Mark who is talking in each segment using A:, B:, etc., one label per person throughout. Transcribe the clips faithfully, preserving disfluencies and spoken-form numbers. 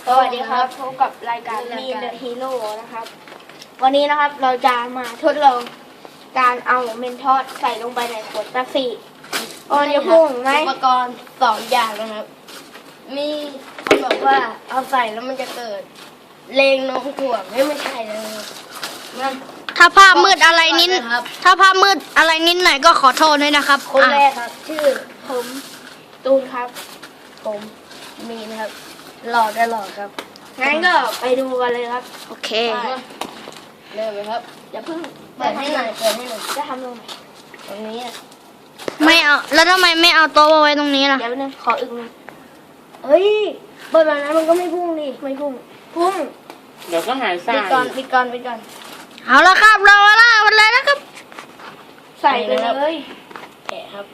A: สวัสดีครับพบกับรายการมีเดอะฮีโร่นะครับวันนี้นะครับเราจะมาทดลองการเอาเมนทอสใส่ลงไปในขวดแป๊บซี่โอ้ยพุ่งไหมอุปกรณ์สองอย่างนะครับมีเขาบอกว่าเอาใส่แล้วมันจะเกิดเลงน้องถ่วงไม่ไม่ใช่เลยมัน
B: ถ้าภาพมืดอะไรนิดถ้าภาพมืดอะไรนิดหน่อยก็ขอโทษด้วยนะครับ
A: คนแร
B: อ่ะ
A: กครับชื่อผมตูนครับผมมีนะครับหลอกได้หลอกครับงั้นก็ไปดูกันเลยครับ
B: โอเค
A: เริ่มเลยครับอย่าเพิ่งเปิดให้หน่อยเปิดให้หน่อยจะทำตรงไหนตรงนี้
B: ไม่เอาแล้วทำไมไม่เอาโต๊ะมาไว้ตรงนี้ล่ะ
A: เดี๋ยวนึงขออึกหนึงเฮ้ยเปิดแบบนั้นมันก็ไม่พุ่งดิไม่พุ่งพุ่ง
C: เดี๋ยวก็หายซ่า
A: ปิดก่อนปิดก่อนปิดก่อน
B: เอาละครับเราละวันเลยนะครับ
A: ใส่ไปเลยแกะครับ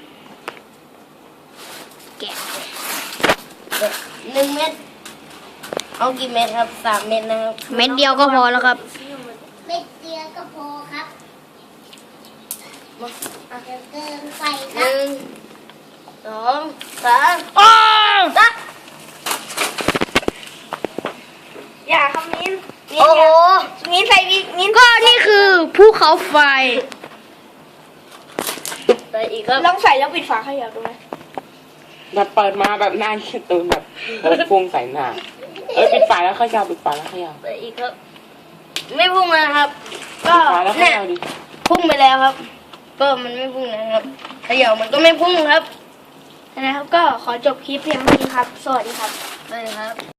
B: แกะ
A: หนึ่งเม็ดเอากี่เม็ดครับสามเม็ดนะครับ
B: เม็ดเดียวก็พอแล้วครับ
D: เม็ดเดียวก็พอครับเดี๋ยวเกินไปค
A: ห
D: รับ
A: นึ่งสองสาม
B: อ้าว
A: ตักอย่าคำมิ้นมิ้น
B: โอ้โห
A: มิ้นใส่อีกมิ้น
B: ก็นี่คือภูเขาไฟ
A: ใส่อีกครับลองใส่แล้วปิดฝาเขยับดูไหม
C: แบบเปิดมาแบบหน้าขี้ตูนแบบโดนฟุ้งใส่หน้าเอ้ยปิดฝาแล้วเขย่าปิดฝาแล้วเขย่า
A: ใส่อีกครับ ไม่พุ่งนะครับ ก็
C: ปิดฝาแล้วเข
A: เนี่ย
C: ย่าดิ
A: พุ่งไปแล้วครับก็มันไม่พุ่งนะครับเขย่ามันก็ไม่พุ่งครับนะครับ ก็ขอจบคลิปเพียงเท่านี้ครับ สวัสดีครับสวัสดีครับ